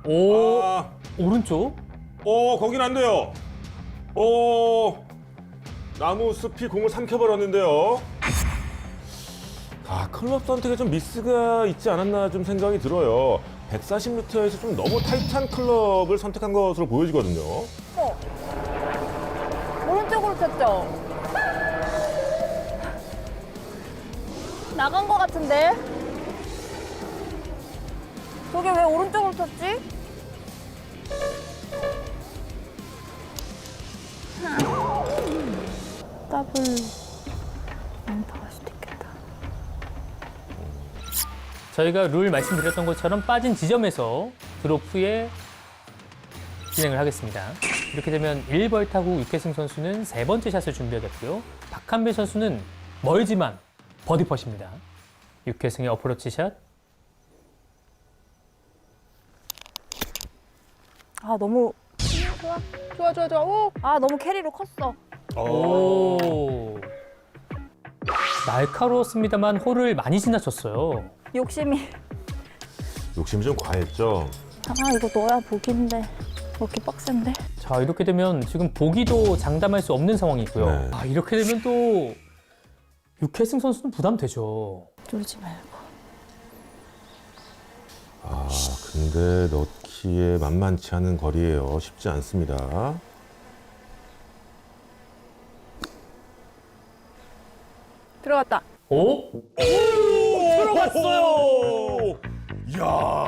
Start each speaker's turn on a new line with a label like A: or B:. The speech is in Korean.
A: 오,
B: 아,
A: 오른쪽?
B: 거긴 안 돼요. 나무 숲이 공을 삼켜버렸는데요. 클럽 선택에 좀 미스가 있지 않았나 좀 생각이 들어요. 140m에서 좀 너무 타이트한 클럽을 선택한 것으로 보여지거든요.
C: 오른쪽으로 쳤죠? 나간 것 같은데? 저게 왜 오른쪽으로 쳤지? 더블 양파가 수도 있겠다.
A: 저희가 룰 말씀드렸던 것처럼 빠진 지점에서 드롭 후에 진행을 하겠습니다. 이렇게 되면 1벌 타고 육혜승 선수는 세 번째 샷을 준비하겠고요. 박한별 선수는 멀지만 버디 퍼십니다. 육혜승의 어프로치 샷.
C: 아, 너무. 좋아. 오! 아, 너무 캐리로 컸어.
A: 오. 날카로웠습니다만 홀을 많이 지나쳤어요.
C: 욕심이.
B: 욕심이 좀 과했죠.
C: 아, 이거 넣어야 복인데. 이렇게 빡센데?
A: 자, 이렇게 되면 지금 보기도 장담할 수 없는 상황이고요.
B: 네.
A: 이렇게 되면 또 육혜승 선수는 부담되죠.
C: 쫄지 말고.
B: 근데 넣기에 만만치 않은 거리예요. 쉽지 않습니다.
C: 들어갔다.
A: 오? 들어갔어요.
B: 이야.